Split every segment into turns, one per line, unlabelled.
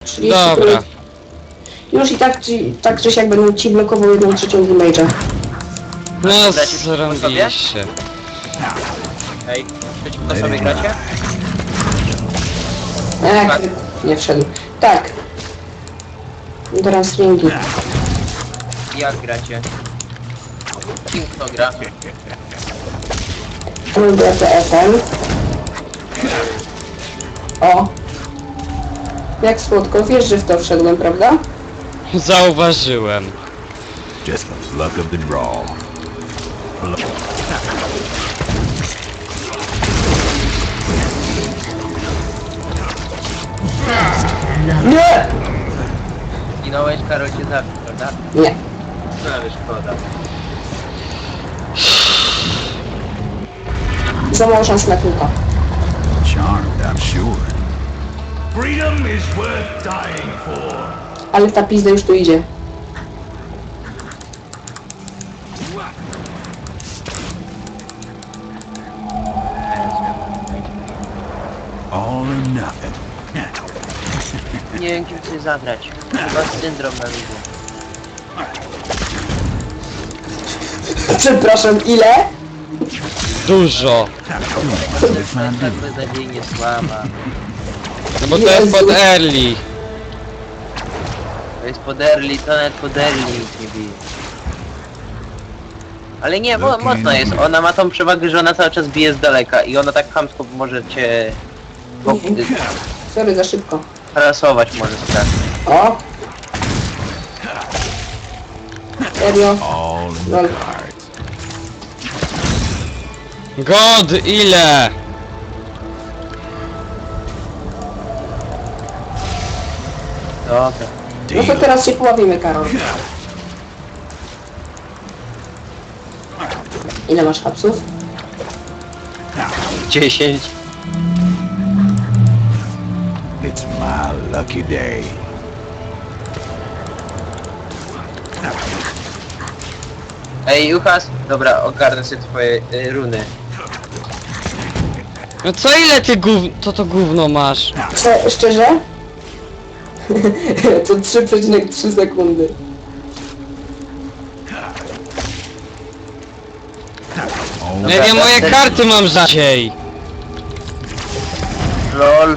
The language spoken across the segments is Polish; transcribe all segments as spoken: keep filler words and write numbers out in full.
trzydzieści
Dobra.
Już i tak, czy, tak czy siak będę ci blokował jedną trzecią damage'a.
No
Gracie przeciwko sobie?
zrobiliście.
Ej, przeciwko sobie gracie?
Eee,
Tak.
nie wszedł. Tak. I teraz ringi.
Jak gracie? Kim kto gra?
Lubię P F M. O. Jak słodko, wiesz, że w to wszedłem, prawda?
Zauważyłem.
Just the luck of the draw.
Nie!
Ginąłeś, Karol cię zabił, prawda?
Nie.
No ale szkoda.
Za mało szans na kilka.
Charmed, I'm sure.
Freedom is worth dying for.
Ale ta pizda już tu idzie.
All or nothing.
Nie wiem kim chcesz zagrać. Chyba syndrom na ludzie.
Przepraszam, ile?
Dużo.
It's my
Tak
duty.
beznadziejnie słaba.
No bo to jest pod early.
To jest pod early, to nawet pod early nic nie bije. Ale nie, mo mocno jest. Ona ma tą przewagę, że ona cały czas bije z daleka i ona tak chamsko może cię
Sorry, za szybko.
harasować może strasznie.
O! Serio?
All in the
Lol.
cards.
God, ile?
Dobra.
No to teraz się poławimy, Karol. Ile masz hapsów?
dziesięć.
It's my lucky day.
Ej, Juchas, dobra, ogarnę sobie twoje y, runy.
No co ile ty gów... to to gówno masz?
Cze szczerze? To trzy przecinek trzy sekundy.
All
Nie wiem, moje karty mam rzadziej.
LOL.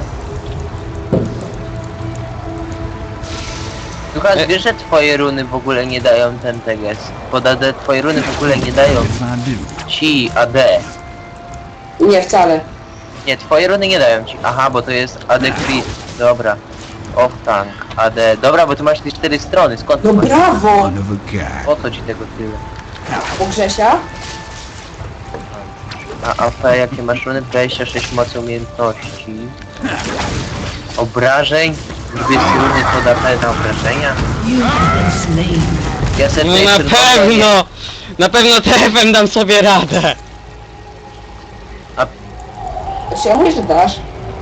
Juchas,
E-
wiesz, że twoje runy w ogóle nie dają ten teges. Pod A D twoje runy w ogóle nie dają
It's my duty.
ci A D.
Nie, wcale.
Nie, twoje runy nie dają ci. Aha, bo to jest A D crit. Dobra. Off tank, A D. Dobra, bo tu masz te cztery strony, skąd
No
to masz?
brawo!
One of a kind.
Po co ci tego tyle?
U Grzesia?
A A P, jakie masz runy? dwadzieścia sześć mocy umiejętności. Obrażeń? Lubię runy pod A P na obrażenia? Ja sobie
No
tutaj
na
czerwono
pewno! Na pewno T F M dam sobie radę.
Czy ja mówię, że dasz?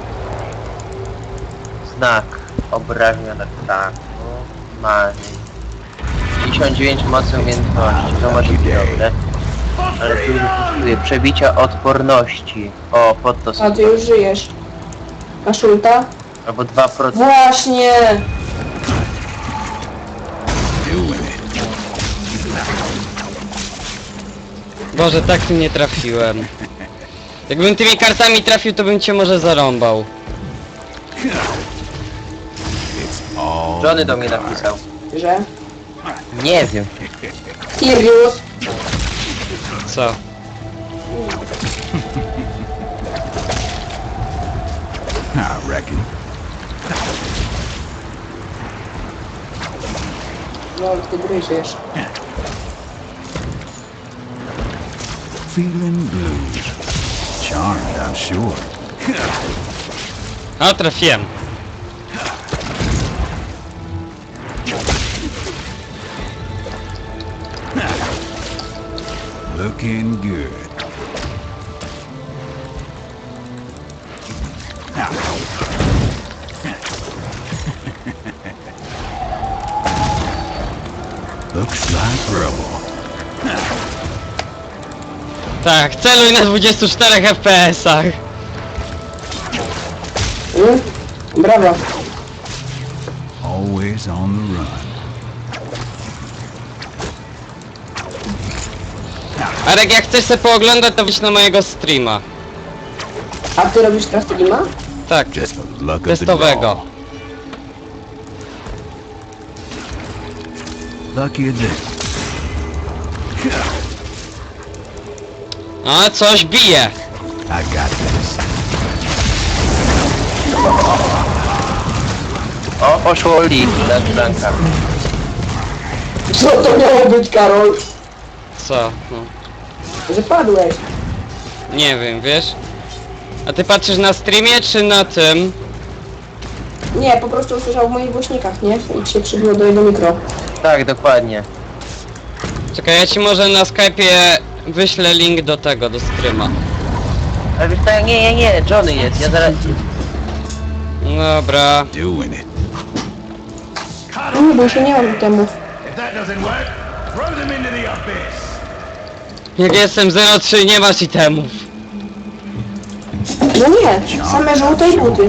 Znak obrażenia tak tak. Mani. pięćdziesiąt dziewięć mocy umiejętności, to może być dobre. Ale tu już kosztuje przebicia odporności. O, pod to
A
sobie.
ty już żyjesz. Masz ulta?
Albo dwa procent.
Właśnie!
Doing it.
Boże, tak tu nie trafiłem. Jakbym tymi kartami trafił, to bym cię może zarąbał.
It's all
Johnny
in
do
the
mnie
cards.
napisał.
Że?
Nie wiem.
Sirius!
Co?
I reckon.
No, ty gryziesz.
Feeling blues. Charmed, I'm sure.
A, trafiłem.
Looking good. Looks like trouble.
Tak, celuj na dwudziestu czterech F P S-ach.
Mm? Brawo.
Always on the run.
Arek, jak chcesz sobie pooglądać, to wyjdź na mojego streama.
A ty robisz teraz streama?
Tak,
Just the luck of the
testowego.
draw. Lucky a day.
A, coś bije.
I got this.
O, poszło Lee na Blanka.
Co to miało być, Karol?
Co? No.
Że padłeś.
Nie wiem, wiesz? A ty patrzysz na streamie, czy na tym?
Nie, po prostu usłyszał w moich głośnikach, nie? I ci się przybiło do jego mikro.
Tak, dokładnie.
Czekaj, ja ci może na Skype'ie wyślę link do tego, do streama.
Ale wiesz co, nie, nie, nie, Johnny jest, ja zaraz...
Dobra.
Doing it.
Cut
No nie,
off
bo się nie mam temu.
If that doesn't work, throw them into the abyss.
Jak jestem zero trzy, nie masz itemów.
No nie, same żółte i buty.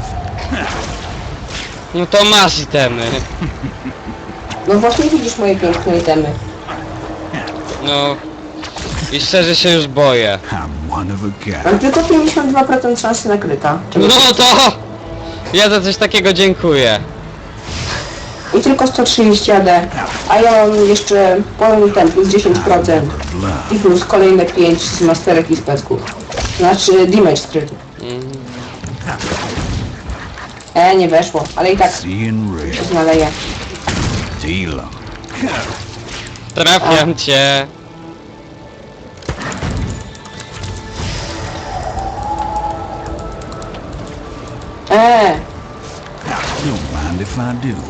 No to masz itemy.
No właśnie widzisz moje piękne itemy.
No. I szczerze się już boję.
I'm one of a kind.
Mam tylko pięćdziesiąt dwa procent szansy na kryta.
No to... Ja za coś takiego dziękuję.
I tylko sto trzydzieści A D. A ja mam jeszcze pełny ten plus dziesięć procent.
Blood.
I plus kolejne pięć z masterek i specków. Znaczy damage skryty.
Mm.
E, nie weszło, ale i tak
Seeing
się
red.
znaleje.
Deal 'em.
Trafiam cię.
E,
Don't mind if I do.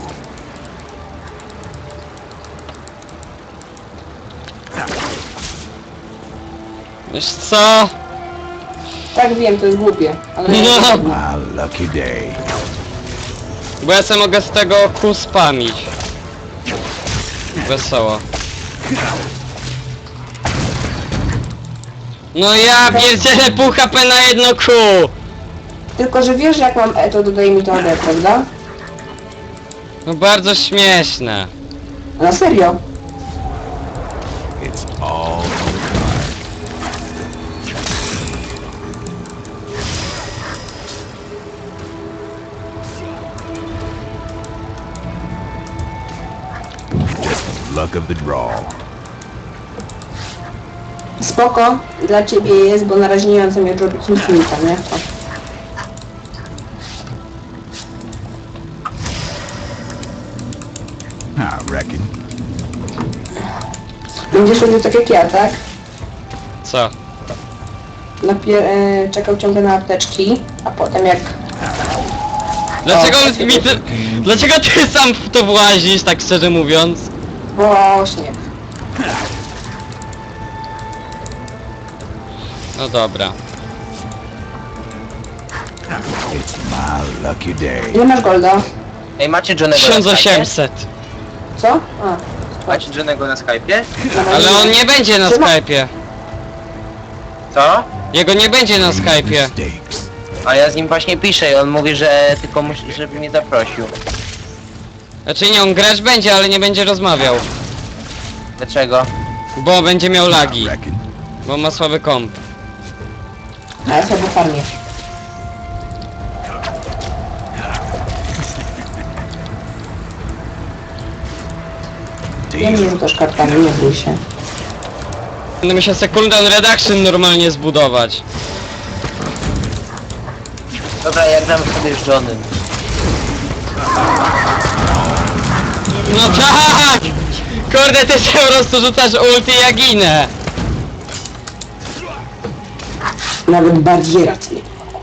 Wiesz co?
tak wiem, to jest głupie. Ale
No.
My lucky day.
Bo ja sobie mogę z tego kół spamić. Wesoło. No ja pierdzielę pół H P na jedno kół!
Tylko, że wiesz, że jak mam E, to dodaje mi to A D, prawda?
No bardzo śmieszne.
Na serio.
It's all just the luck of the draw.
Spoko, dla ciebie jest, bo na razie nie mam zamiaru robić infinita, nie? O.
I reckon.
Będziesz robił tak jak ja, tak?
Co?
Napier e, czekał ciągle na apteczki, a potem jak...
Dlaczego
O,
mi ty, Dlaczego ty sam w to włazisz, tak szczerze mówiąc?
Właśnie.
No dobra.
It's my lucky day.
Ile masz golda?
Ej, macie Johnnego
tysiąc
na Skype'ie?
osiemset.
Co? A,
Macie Johnnego na Skype'ie?
na razie
Ale on nie będzie na
Trzyma-
Skype'ie.
Co?
Jego nie będzie na Skype'ie.
Mistakes.
A ja z nim właśnie piszę i on mówi, że tylko musi, żeby mnie zaprosił.
Znaczy nie, on grać będzie, ale nie będzie rozmawiał.
Dlaczego?
Bo będzie miał
I
lagi.
reckon.
Bo ma słaby komp.
A ja sobie farmię. Ja nie
Deal.
rzucasz kartami, nie bój się.
Będę musiał secondary reduction normalnie zbudować.
Dobra, ja gram sobie z Johnem.
No tak! Kurde, ty się po prostu rzucasz ulti, ja ginę.
Nawet bardziej rację.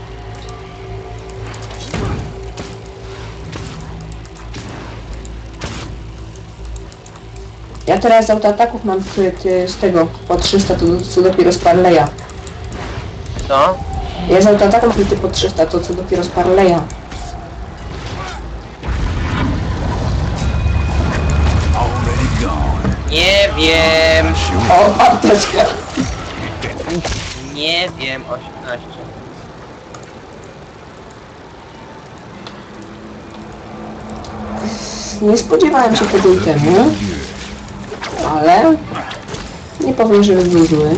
Ja teraz z autoataków mam kryt y, z tego, po trzysta, to co dopiero z Parleya.
Co?
Ja z autoataku mam kryty po trzysta, to co dopiero z Parleya.
Already gone.
Nie wiem.
Sure.
O, apteczka!
Nie wiem, osiemnaście.
nie spodziewałem się tego itemu, ale nie powiem, że był zły.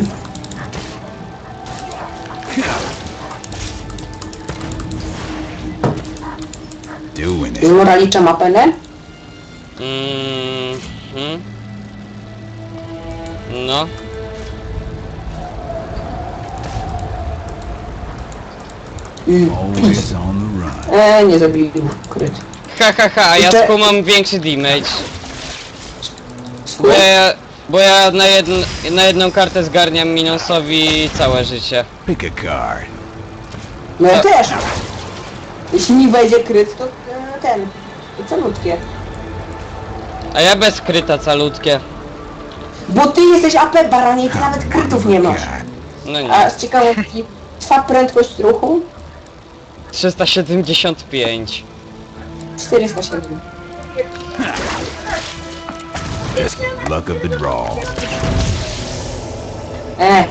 Doing it.
Moralicza ma penę?
Mm, hmm? No.
Mm.
Always on the run.
Eee, nie zabił kryt.
Ha ha ha, a ja
Jeszcze-
skumam większy damage. Bo ja, bo ja na, jedn, na jedną kartę zgarniam minusowi całe życie.
Pick a card.
No ja też. Jeśli mi wejdzie kryt, to e, ten. To calutkie.
A ja bez kryta calutkie.
Bo ty jesteś A P baranie i ty nawet krytów nie masz.
No nie.
A z ciekawostki, twa prędkość ruchu
trzysta siedemdziesiąt pięć.
czterysta siedem.
Luck of the draw.
E,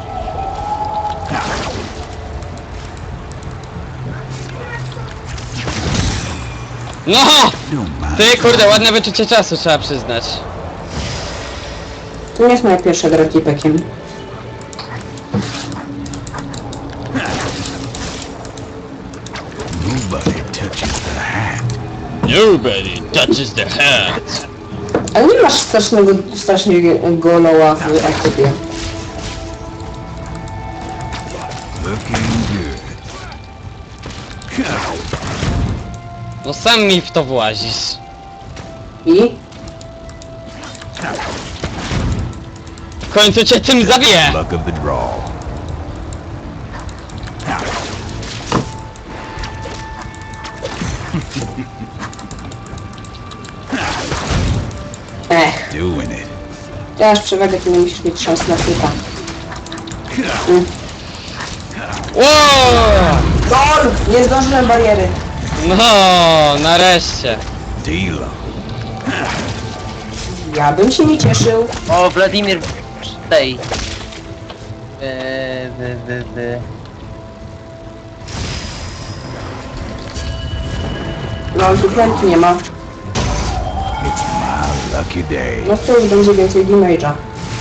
No!
Don't mind.
Ty kurde, ładne wyczucie czasu trzeba przyznać.
to nie jest moja pierwsza gra tipekiem.
Nobody touches the hat.
Nobody touches the hat.
Ale nie masz strasznego, strasznego loła w ekipie.
Looking good.
No sam mi w to włazisz.
I?
W końcu cię tym zabiję!
Luck of the draw.
Ech,
Doing it.
ty masz przewagę, ty nie musisz mieć szans na kryta. Mm.
Wow!
Gol! Nie zdążyłem bariery.
No, nareszcie.
Deal 'em.
Ja bym się nie cieszył.
O, Wladimir tej. Eee, wy, wy, wy.
No, tu krętu nie ma.
It's my lucky day.
No to już będzie więcej damage'a.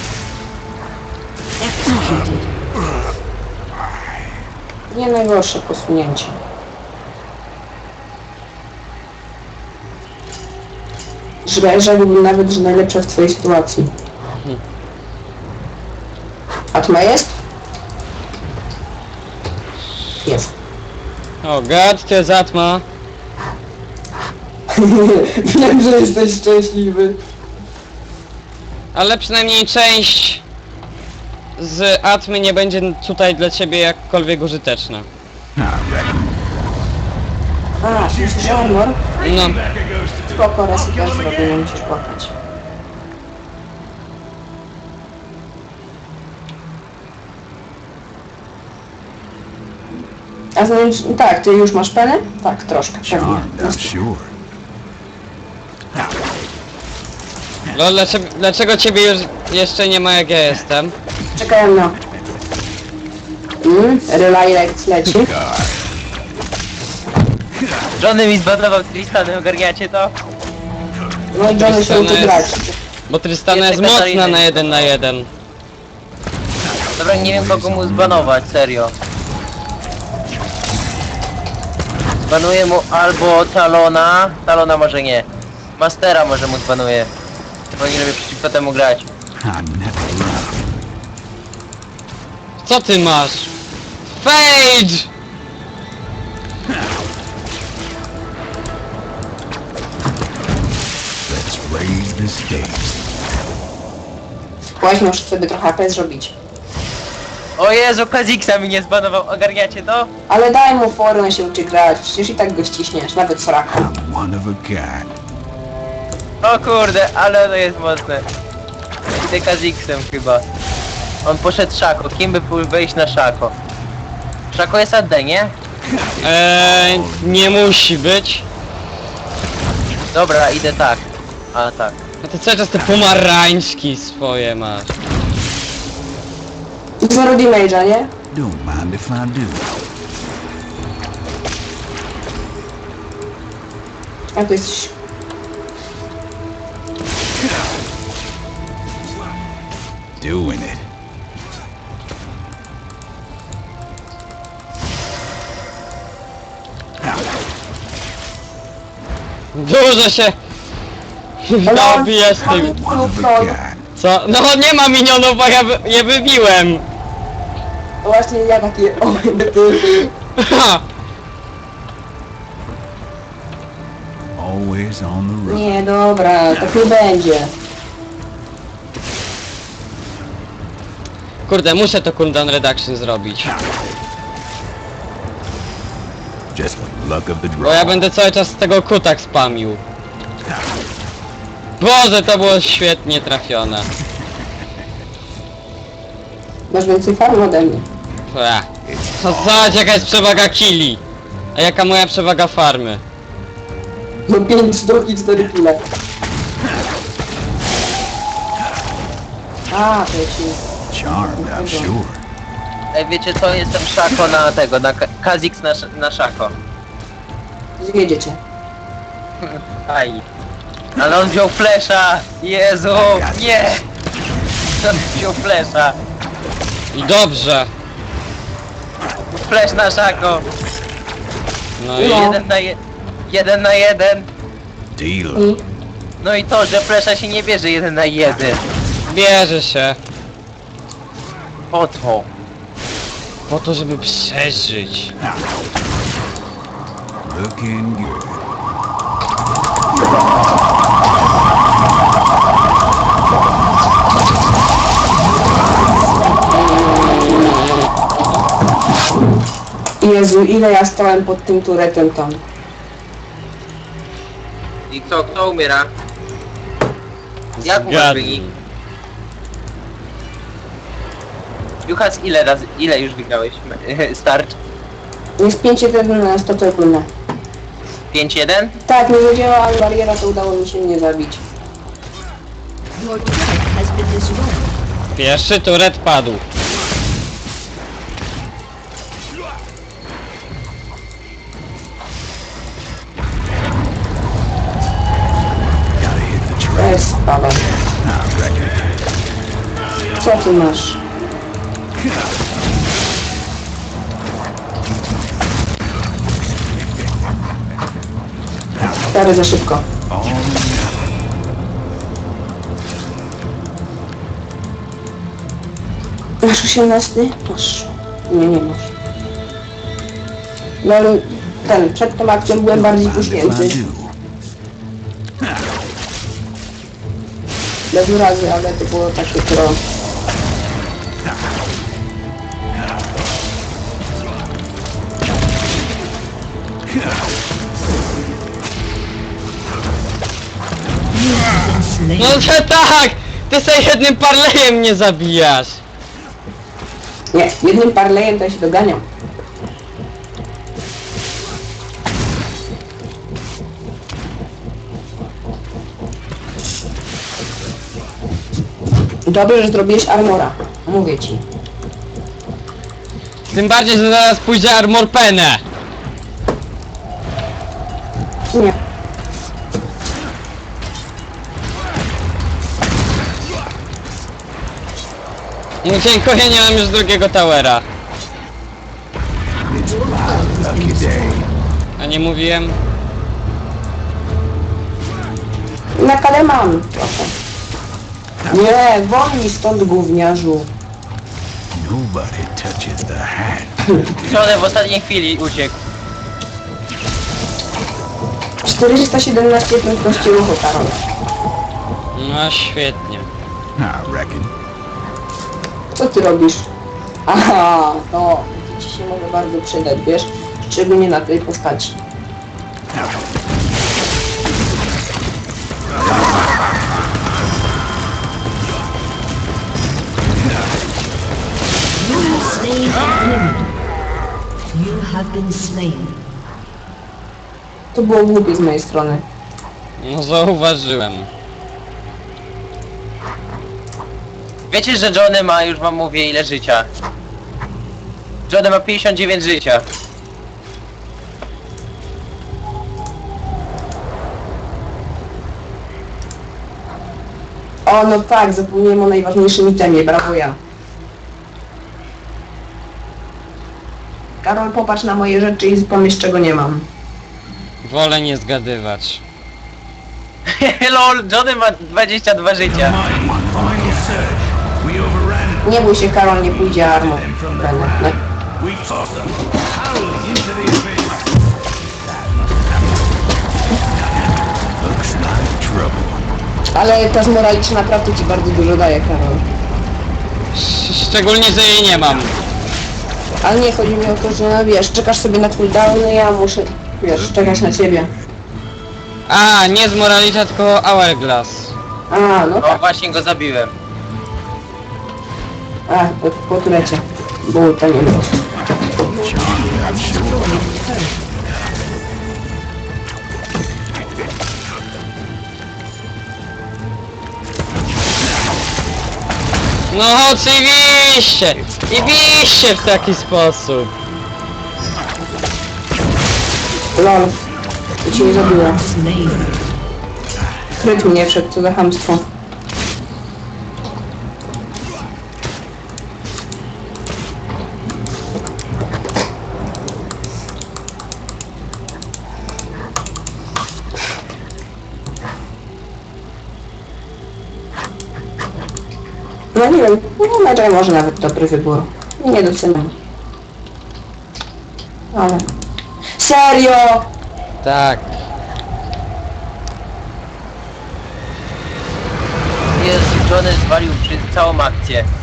Nie najgorsze posunięcie. Że rzekłbym nawet, że najlepsze w twojej sytuacji. Atma jest? Jest.
O gad, to jest Atma.
Wiem, że jesteś szczęśliwy.
Ale przynajmniej część z Atmy nie będzie tutaj dla ciebie jakkolwiek użyteczna.
I reckon.
A, myślisz, że honor?
No,
Backer goes to
Spoko, raz i też zrobię, nie musisz płakać. A znaczy, tak, ty już masz penę? Tak, troszkę, pewnie.
Charmed, I'm sure.
no dlaczego, dlaczego ciebie już jeszcze nie ma jak ja jestem?
Czekałem na... Mm, Relay leci.
Card.
Johnny mi zbanował Tristany, ogarniacie to?
No i Johnny się uczy grać.
Bo Tristana jest
Jeszcze
mocna
Katarina.
na jeden na jeden.
Dobra, nie wiem kogo mu zbanować, serio. Zbanuję mu albo Talona, Talona może nie. Mastera może mu zbanuję. Bo nie lubię przeciwko temu grać.
I never run.
Co ty masz? Phage!
Let's raise the stakes.
Właśnie muszę sobie trochę A P zrobić.
O Jezu, Kaziksa mi nie zbanował, ogarniacie to?
Ale daj mu formę się uczy grać, przecież i tak go ściśniesz, nawet Soraka.
I'm one of a kind.
O kurde, ale to jest mocne. Idę Kaziksem chyba. On poszedł Szako, kim by pół wejść na Szako? Szako jest A D, nie?
Eee, nie musi być.
Dobra, idę tak. A tak.
No ty cały czas te pomarańczki swoje masz.
Zero damage'a, nie?
Don't mind if I do.
A to jesteś...
Doing it.
Dużo się...
Ale
Dobijesz
on-
tym.
on-
One of
on-
a kind.
Co? No nie ma minionów, bo ja wy- je wybiłem.
Właśnie ja takie... O, ty...
Always on the road.
Nie, dobra, tak nie będzie.
Kurde, muszę to cooldown reduction zrobić.
Just luck of the
Bo ja
draw.
będę cały czas z tego kutak spamił. Boże, to było świetnie trafione.
Masz więcej farm ode mnie.
Ech. No zobacz jaka jest przewaga killi. A jaka moja przewaga farmy.
No pięć sztuk i cztery kile. A, to ci...
Charmed, I'm sure.
Ej, wiecie co? Jestem szako na tego, na Ka- Kha'Zix na, sz- na szako.
Zwiedziecie.
Aj. Ale on wziął flesza! Jezu! Nie! On wziął flesza!
I dobrze.
Flesz na szako!
No i...
No.
Jeden na je... Jeden na jeden!
Deal.
I...
No i to, że flesza się nie bierze jeden na jeden.
Bierze się.
Po to.
Po to, żeby przeżyć.
Looking good.
Jezu, ile ja stałem pod tym turetem tam.
I kto, kto umiera? Jak umarł
Zgadnij.
wynik? Juchas, ile razy, ile już wygrałeś start?
Jest pięć jeden na sto ogólne.
pięć jeden?
Tak, nie zadziałała bariera, to udało mi się nie zabić.
Your turret has been destroyed.
Pierwszy turet padł.
Gotta hit the
To
track.
jest sprawa.
I reckon.
Co ty masz? Stary, za szybko.
Oh,
Masz osiemnasty? Masz. Nie, nie masz. No ale ten, przed tą akcją byłem bardziej
mind if
puśnięty.
I do?
Bez urazy, ale to było takie pro.
You have been slain.
No że tak! Ty sobie jednym parlejem mnie zabijasz.
Nie, jednym parlejem to ja się doganiam. Dobrze, że zrobiłeś armora. Mówię ci.
Tym bardziej, że zaraz pójdzie armor penę.
Nie.
No dziękuję, nie mam już drugiego towera.
It's my lucky day.
A nie mówiłem?
Na kale mam. Proszę. Nie, wolniej stąd, gówniarzu.
Nobody touches the hat.
Johnny w ostatniej chwili uciekł.
czterysta siedemnaście prędkości ruchu, Karol.
No świetnie.
I reckon.
Co ty robisz? Aha, no, to ci się może bardzo przydać, wiesz? Szczególnie na tej postaci.
You have slain an enemy. You have been slain.
To było głupie z mojej strony.
No zauważyłem.
Wiecie, że Johnny ma, już wam mówię, ile życia. Johnny ma pięćdziesiąt dziewięć życia.
O, no tak, zapomniałem o najważniejszym itemie, brawo ja. Karol, popatrz na moje rzeczy i pomyśl, czego nie mam.
Wolę nie zgadywać.
Lol, Johnny ma dwadzieścia dwa życia.
My final surge. We overran
Nie bój się, Karol, nie pójdzie armą.
them from the
Będę.
ground. We tossed them howling into the abyss.
Looks like trouble.
Ale ta zmoraliczna naprawdę ci bardzo dużo daje, Karol.
Sz- Szczególnie, że jej nie mam.
Ale nie, chodzi mi o to, że no, wiesz, czekasz sobie na cooldowny, ja muszę, wiesz, czekać na ciebie.
A, nie z Moralicia, tylko Hourglass.
A, no
O,
tak.
właśnie go zabiłem.
A, po, po turecie. Bo to nie było.
No oczywiście! I biście w taki sposób.
Lol. To cię nie zabiłem.
Slain.
Kryt mnie wszedł, co za chamstwo. No nie wiem, no Medjay może nawet dobry wybór. Nie doceniam. Ale... Serio!
Tak.
Jezu, Johnny zwalił przy całą akcję.